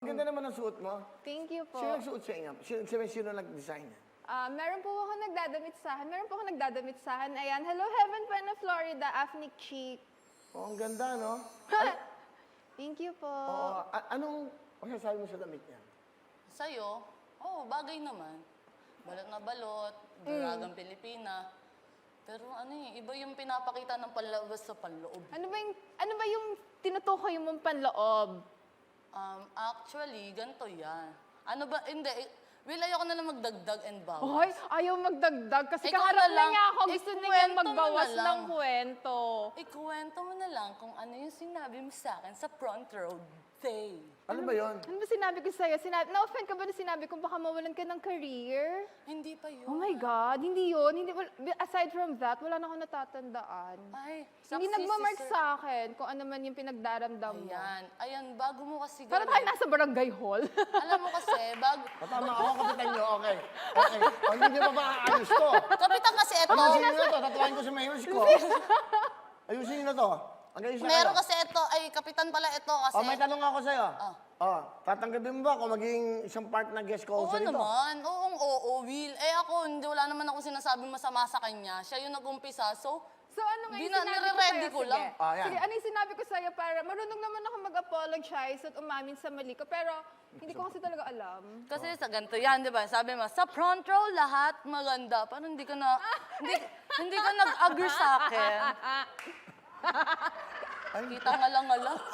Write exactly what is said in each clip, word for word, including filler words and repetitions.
Ang ganda naman ang suot mo. Thank you po. Sino nagsuot sa inyo? Sino, sino, sino nag-design? Ah, meron po ako nagdadamit sa akin. Meron po ako nagdadamit sa akin. Ayan, Hello Heaven pa na Florida, Afnic Cheek. Oh, ang ganda, no? Thank you po. Oo. A- anong masasabi mo sa damit niya? Sa'yo, oo, bagay naman. Balot na balot, dalagang Pilipina. Pero ano eh, iba yung pinapakita ng panlabas sa panloob. Ano ba yung, ano ba yung tinutukoy mong panloob? Um, actually, ganito yan. Ano ba, hindi, eh, Will, ayoko na lang magdagdag and bawas. Hoy, ayaw magdagdag kasi Ikaw kaharap na na lang. niya ako. Gusto Ikwento niya mo magbawas na lang. ng kwento. Ikuwento mo na lang kung ano yung sinabi mo sa akin sa front row day. Ano ba yon? Ano ba sinabi ko sa'yo? Sinabi, na-offend ka ba na sinabi ko baka mawalan ka ng career? Hindi pa yun. Oh my God, hindi yun. Hindi, wal- aside from that, wala na akong natatandaan. Ay, Hindi saksi nagmamark si Sir. sa akin kung ano man yung pinagdaramdam mo. Ayan, ayan, bago mo kasi Para tayo nasa barangay hall. Alam mo kasi, bago... Tama ako, kapitan niyo. Okay. Okay. O, hindi niyo pa ba aayos to? Kapitan kasi ito. Ayusin niyo na to. Tatuwain ko sa mayos ko. Ayusin niyo na to. Ang ayos na Meron kayo. kasi ito, ay kapitan pala ito kasi... O, may tanong ako sa'yo. Ah. O, tatanggapin mo ba kung maging isang part na guest ko Oo sa dito? naman, oo, oo, Will. Eh ako, hindi, wala naman ako sinasabing masama sa kanya. Siya yung nag-umpisa, so... So ano nga Di yung na- sinabi ko nire-ready sa'yo? ko Sige. lang. Ah, yan. Sige, ano yung sinabi ko sa'yo para marunong naman ako mag-apologize at umamin sa mali ko. Pero hindi ko kasi talaga alam. Kasi sa ganito yan, di ba? Sabi mo, sa front row, lahat maganda. Parang hindi ka na... hindi, hindi ka nag-agree sa akin. Kita nga lang nga lang.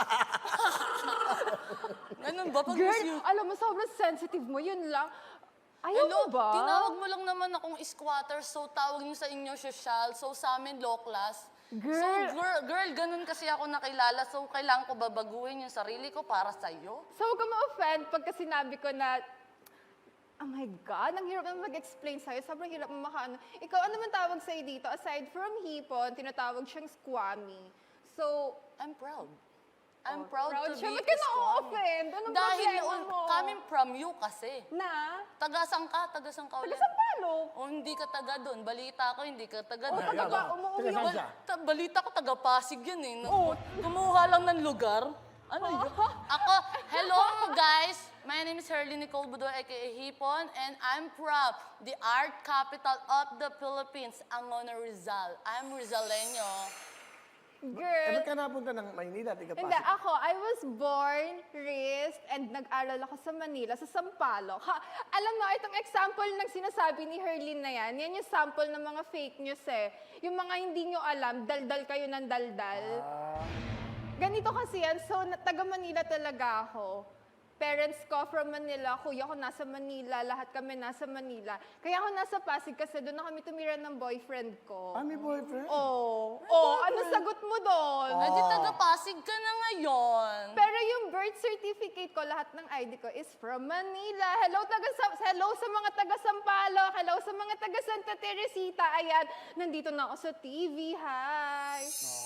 Ganun ba? Pag Girl, miss you... alam mo, sobrang sensitive mo. Yun lang. Ayaw Hello, mo ba? tinawag mo lang naman akong squatter, so tawag niyo sa inyo social, so sa amin low class. Girl. So girl, girl, ganun kasi ako nakilala, so kailangan ko babaguhin yung sarili ko para sa'yo. So huwag ka ma-offend pagka sinabi ko na, oh my God, ang hirap naman mag-explain sa'yo. Sobrang hirap mo makaano. Ikaw, ano man tawag sa'yo dito? Aside from hipon, tinatawag siyang squammy. So, I'm proud. I'm Oh, proud, proud to siya. be Ba't ka a squammy. na-offend? Anong Dahil problema yun, mo? coming from you kasi. Na? Tagasang ka, tagasang ka ulit. Taga Sampalo. O hindi ka taga doon. Balita ko, hindi ka taga O, doon. taga ba? Umuwi Taga saan ako. siya? Ta- balita ko, taga Pasig yun eh. Oo. Kumuha lang ng lugar. Ano yun? Ako, hello guys! My name is Herly Nicole Budor, aka Hipon, and I'm from the art capital of the Philippines, Angono, Rizal. I'm Rizaleño. Eh, Girl. ba't ka napunta ng Maynila? Tiga Hindi, Pasig. ako, I was born, raised, and nag-aral ako sa Manila, sa Sampaloc. Ha, alam mo, itong example ng sinasabi ni Herlin na yan, yan yung sample ng mga fake news eh. Yung mga hindi nyo alam, daldal kayo ng daldal. Ah, Ganito kasi yan, so na- taga Manila talaga ako. Parents ko from Manila, kuya ko nasa Manila, lahat kami nasa Manila. Kaya ako nasa Pasig kasi doon na kami tumira ng boyfriend ko. ah, may boyfriend? Oh, oh, ano sagot mo doon? Eh di taga Pasig ka na ngayon. Pero yung birth certificate ko, lahat ng I D ko is from Manila. Hello, taga Sa- hello sa mga taga Sampaloc. Hello sa mga taga Santa Teresita. Ayan, nandito na ako sa T V. Hi.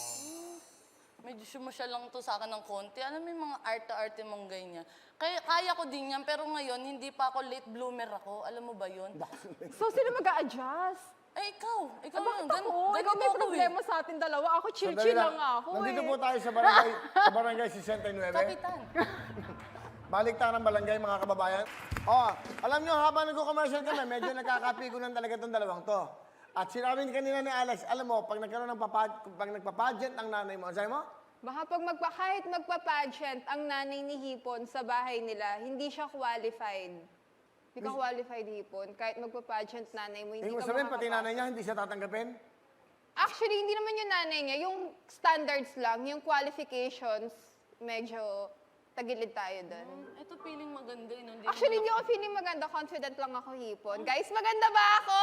Medyo sumasya lang to sa akin ng konti. Alam mo yung mga arte-arte mong ganyan. Kaya, kaya ko din yan, pero ngayon, hindi pa ako late bloomer ako. Alam mo ba yun? So, sino mag-a-adjust? Eh, ikaw. Ikaw Ah, bakit yun. Gan- ako? Ikaw ganito may ako eh. problema sa atin dalawa. Ako Sandali chill-chill lang ako Nandito eh. po tayo sa barangay, sa barangay sixty-nine. Kapitan. Balik tayo ng barangay, mga kababayan. Oh, alam nyo, habang nag-commercial kami, medyo nagkakapigunan talaga itong dalawang to. At sinabi kanina ni Alex, alam mo, pag nagkaroon ng papa, pag nagpa-pageant ang nanay mo, ang sabi mo? Baka pag magpa, kahit magpa-pageant ang nanay ni Hipon sa bahay nila, hindi siya qualified. Hindi ka qualified, Hipon. Kahit magpa-pageant nanay mo, hindi Hindi mo ka sabihin, pati makakapasok. nanay niya, hindi siya tatanggapin? Actually, hindi naman yung nanay niya. Yung standards lang, yung qualifications, medyo tagilid tayo doon. Ito feeling maganda yun. Hindi Actually, naman hindi ako feeling maganda. Confident lang ako, Hipon. Guys, maganda ba ako?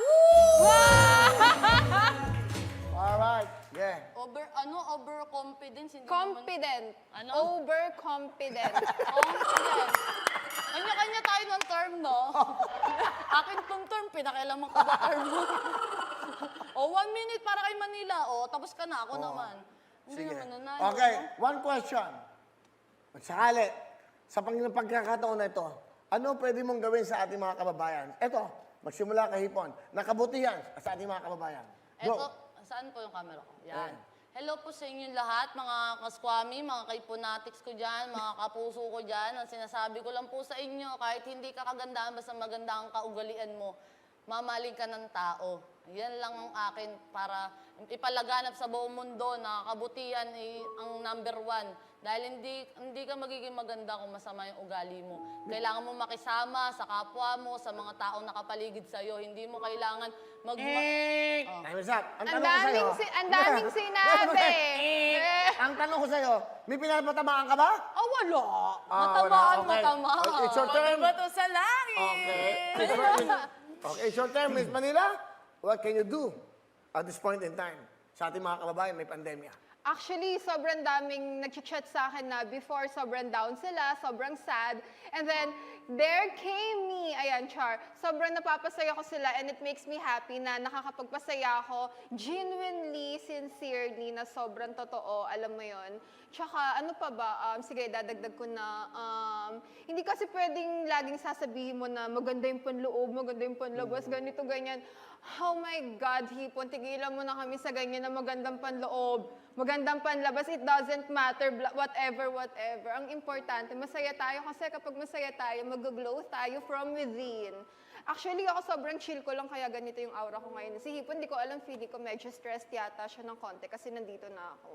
Alright, yeah. Over, ano, overconfidence. Hindi naman, Confident. Ano? Overconfident. confident. Kanya-kanya tayo ng term, no? Akin tong term, pinakialaman ko ba term mo? o, one minute para kay Manila. O, tapos ka na. Ako naman. Hindi Sige. naman nanalo. Okay, one question. Magsakali, sa pang pagkakataon na ito, ano pwede mong gawin sa ating mga kababayan? Ito, magsimula kay Hipon. Nakabutihan sa ating mga kababayan. Go. Eto, saan po yung camera ko? Yan. Ayan. Hello po sa inyo lahat, mga kaskwami, mga kaiponatics ko dyan, mga kapuso ko dyan. Ang sinasabi ko lang po sa inyo, kahit hindi ka kagandahan, basta maganda ang kaugalian mo, mamaling ka ng tao. Yan lang ang akin para ipalaganap sa buong mundo na kabutihan ay ang number one. Dahil hindi, hindi ka magiging maganda kung masama yung ugali mo. Kailangan mo makisama sa kapwa mo, sa mga taong nakapaligid sa'yo. Hindi mo kailangan mag... Eh, Time is up. Ang Ang tanong ko sa'yo. daming, si- ang daming sinabi. Eh. Ang tanong ko sa'yo, may pinapatamaan ka ba? Oh, wala. Ah, Matamaan, wala. Okay. matamaan. Okay, it's your turn. Bato sa langit! Okay. It's your turn. Okay, it's your turn, Miss Manila. What can you do at this point in time? Sa ating mga kababayan, may pandemya. Actually, sobrang daming nag-chat sa akin na before, sobrang down sila, sobrang sad. And then, there came me. Ayan, Char. Sobrang napapasaya ko sila and it makes me happy na nakakapagpasaya ako genuinely, sincerely, na sobrang totoo. Alam mo yon. Tsaka, ano pa ba? Um, sige, dadagdag ko na. Um, hindi kasi pwedeng laging sasabihin mo na maganda yung panloob, maganda yung panlabas, ganito, ganyan. Oh my God, Hipon, tigilan mo na kami sa ganyan na magandang panloob, magandang panlabas, it doesn't matter, bla- whatever, whatever. Ang importante, masaya tayo kasi kapag masaya tayo, mag-glow tayo from within. Actually, ako sobrang chill ko lang kaya ganito yung aura ko ngayon. Si Hipon, di ko alam, feeling ko medyo stressed yata siya ng konti kasi nandito na ako.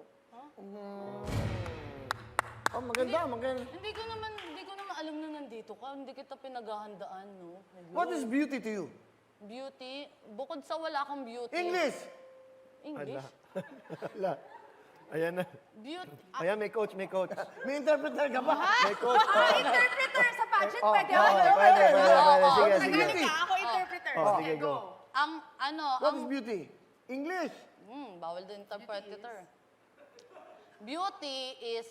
Oh, maganda, maganda. Hindi ko naman, hindi ko naman alam na nandito ka. Hindi kita pinaghahandaan, no? Hello. What is beauty to you? Beauty? Bukod sa wala kang beauty. English! English? Wala. Ayan na. Beauty. Ayan, may coach, may coach. May interpreter ka ba? May coach. Ah, interpreter sa pageant, Oh, pwede oh, ako. Pwede, pwede, pwede. Oo, Sige, oo, sige. Tagalog ka, ako interpreter. Oh, Sige, sige, go. Ang, ano, What ang... is beauty? English! Hmm, bawal din interpreter. Beauty is...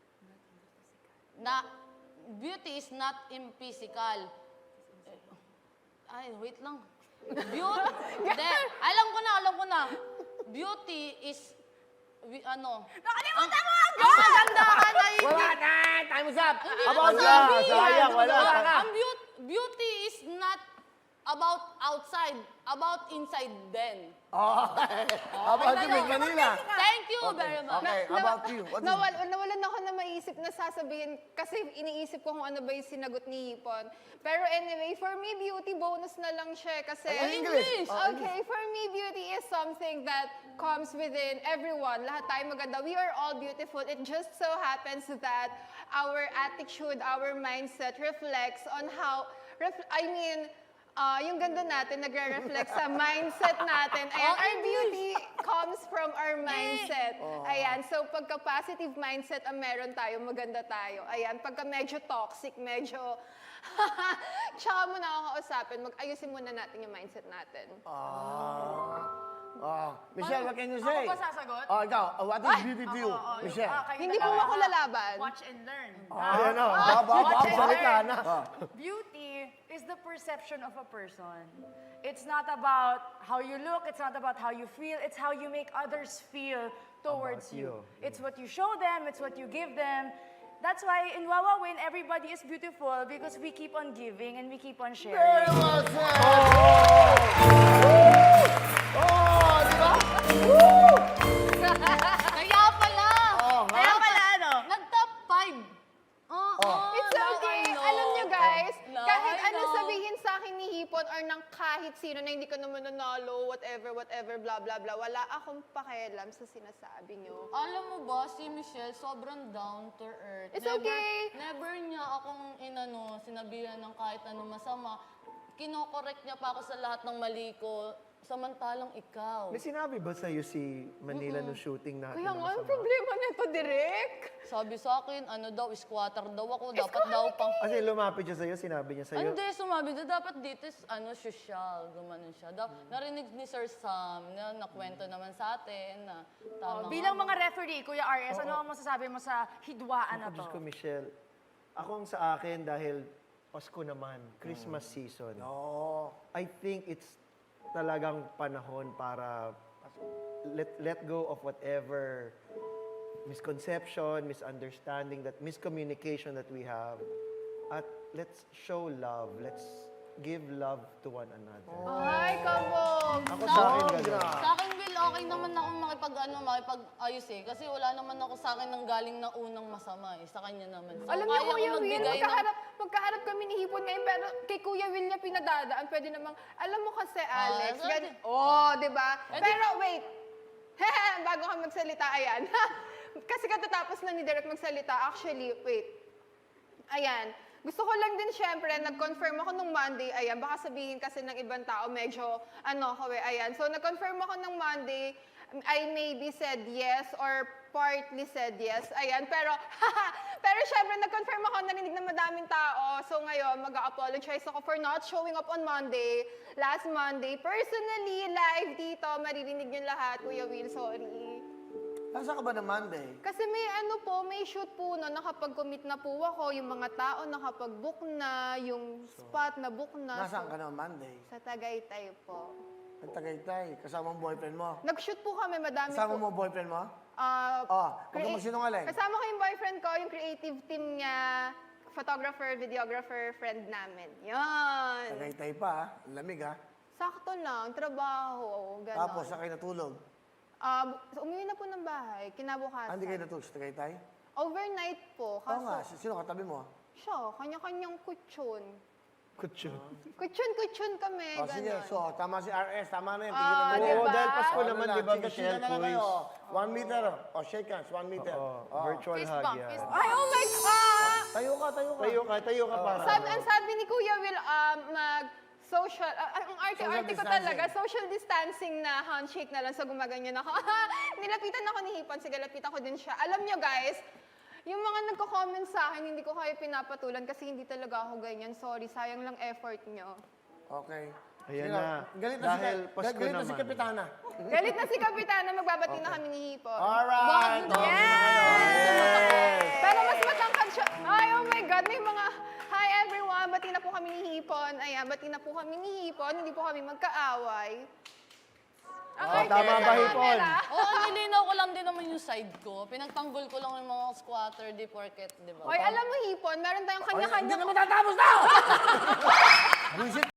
Na, beauty is not in physical. Ay, wait lang. Beauty, de, alam ko na, alam ko na. Beauty is, wi- ano, Nakalimutan mo ang ang kagandahan ay hindi. Wala na! Time is up! Hindi About naman you! sabi. sayang, wala. Ang, ang beauty, beauty is not about outside, about inside then. Okay. About you, Miss Manila. Thank you very much. Okay, Na- about you. What is nawal, nawalan ako na maisip na sasabihin kasi iniisip ko kung ano ba yung sinagot ni Hipon. Pero anyway, for me, beauty bonus na lang siya kasi... Ay, English. Oh, Okay, for me, beauty is something that comes within everyone. Lahat tayo maganda. We are all beautiful. It just so happens that our attitude, our mindset reflects on how... Ref- I mean... Ah, yung ganda natin nagre-reflect sa mindset natin. Ayan, our beauty comes from our mindset. Ayan, so pagka positive mindset ang meron tayo, maganda tayo. Ayan, pagka medyo toxic, medyo... Tsaka mo na ako kausapin, mag-ayusin muna natin yung mindset natin. Oh. Michelle, what can you say? Ako pa sasagot? Oh, ikaw. Oh, what is beauty to you? Oo, oo, yung- Michelle. ah, kayo Hindi na po lang. ako lalaban. Watch and learn. Ayan o. Ba, ba, ba, Watch and salita learn. na. Oh. Beauty is the perception of a person. It's not about how you look, it's not about how you feel, it's how you make others feel towards About you. you. It's what you show them, it's what you give them. That's why in Wawa Win, everybody is beautiful because we keep on giving and we keep on Very sharing. well said. Oh, di ba? Kaya pala. Oh, ha? Kaya pala ano? Nag-top five. Oo. Oh. It's now okay. I know. Alam nyo guys, Now kahit I ano know. sabihin sa akin ni Hipon or ng kahit sino na hindi ko naman nanalo, whatever, whatever, blah, blah, blah, wala akong pakialam sa sinasabi nyo. Alam mo ba, si Michelle sobrang down to earth. It's never, okay. Never niya akong inano, sinabihan ng kahit ano masama. Kinokorek niya pa ako sa lahat ng mali ko. Samantalang ikaw. May sinabi ba sa'yo si Manila nung shooting natin? Kaya na nga, ang masama? problema nito, Direk. Sabi sa akin, ano daw, squatter daw ako. Dapat daw pang... Kasi lumapit siya sa'yo, sinabi niya sa'yo. Hindi, sumabi daw, dapat dito is, ano, social, gumanon siya. Da, narinig ni Sir Sam, na nakwento naman sa atin, na tama Oh, bilang nga. mga referee, Kuya R S, ano ang masasabi mo sa hidwaan na Ako, to? Diyos ko, Michelle. Ako ang sa akin dahil Pasko naman, Christmas season. Oh. I think it's talagang panahon para let let go of whatever misconception, misunderstanding, that miscommunication that we have. At let's show love. Let's give love to one another. Ay, kabog. Ako sa akin, Sobra. ganun. Sa akin will okay naman ako makipag, ano, makipag-ayos eh. Kasi wala naman ako sa akin nang galing na unang masama eh. Sa kanya naman. So, Alam niyo, kaya ko Kuya Will, magbigay ng- magkaharap, magkaharap kami ni Hipon ngayon, pero kay Kuya Will niya pinadadaan. Pwede namang, alam mo kasi, Alex, so gan- di- oh, di ba? Eh, di- Pero wait, bago ka magsalita, ayan. Kasi katatapos na ni Derek magsalita, actually, wait. Ayan. Gusto ko lang din syempre, nag-confirm ako nung Monday, ayan, baka sabihin kasi ng ibang tao, medyo, ano ko eh, ayan. So, nag-confirm ako nung Monday, I maybe said yes or partly said yes, ayan. Pero, pero syempre, nag-confirm ako, narinig ng madaming tao. So, ngayon, mag-apologize ako for not showing up on Monday, last Monday. Personally, live dito, maririnig yung lahat, Kuya Will, sorry. Nasa ka ba ng Monday? Kasi may ano po, may shoot po na nakapag-commit na po ako, yung mga tao nakapag-book na, yung spot na book na. Nasaan So, ka ng Monday? sa Tagaytay po. Ang Tagaytay. Kasama ang boyfriend mo. Nag-shoot po kami, madami Kasama po. mo boyfriend mo? Ah, Oh, huwag ka crea- magsinungaling. Kasama ko yung boyfriend ko, yung creative team niya, photographer, videographer, friend namin. Yan. Tagaytay pa, ha? Ang lamig, ha? Sakto lang, trabaho, gano'n. Tapos, saan kayo natulog? Ah, bu- umuwi na po ng bahay, kinabukasan. Ah, hindi kayo natulog sa Tagaytay? Overnight po, Oo kaso nga. si- Sino katabi mo? siya, kanya-kanyang kutsyon. Kutsyon. Kutsyon-kutsyon kami, Oh, sige. gano'n. So, tama si R S. Tama na yun. Ah, Tigilan mo di yan. Oo, ba? dahil Pasko Ano naman, na, di ba, chika-chika Michelle na lang Cruz? kayo. One meter. O, shake hands. One meter. Oo, Oh. virtual Fist hug bump, yan. fist Ay, oh my God! Tayo ka, tayo ka. Tayo ka, tayo ka para. Sabi, ang sabi ni Kuya Will, um, mag social, ah, ang arte-arte ko distancing. talaga, social distancing na handshake na lang, so gumaganyan ako. Nilapitan ako ni Hipon, sige, lapitan ko din siya. Alam nyo guys, yung mga nagko-comment sa akin, hindi ko kayo pinapatulan kasi hindi talaga ako ganyan. Sorry, sayang lang effort nyo. Okay. Ayan Sige na. Galit na Dahil si, Pasko galit na si naman. Kapitana. Galit na si Kapitana, magbabati na kami ni Hipon. Alright. Bakit? Yes. Pero mas matangkad siya. Ay, oh my God, may mga, hi everyone, bati na po kami ni Hipon. Ayan, bati na po kami ni Hipon, hindi po kami magkaaway. Ang Oh, arte tama sa ba, Hipon? camera. Oo, nilinaw ko lang din naman yung side ko. Pinagtanggol ko lang yung mga squatter, di porket, di ba? Hoy, alam mo Hipon, meron tayong Hindi kanya-kanya. na matatapos na! Buisit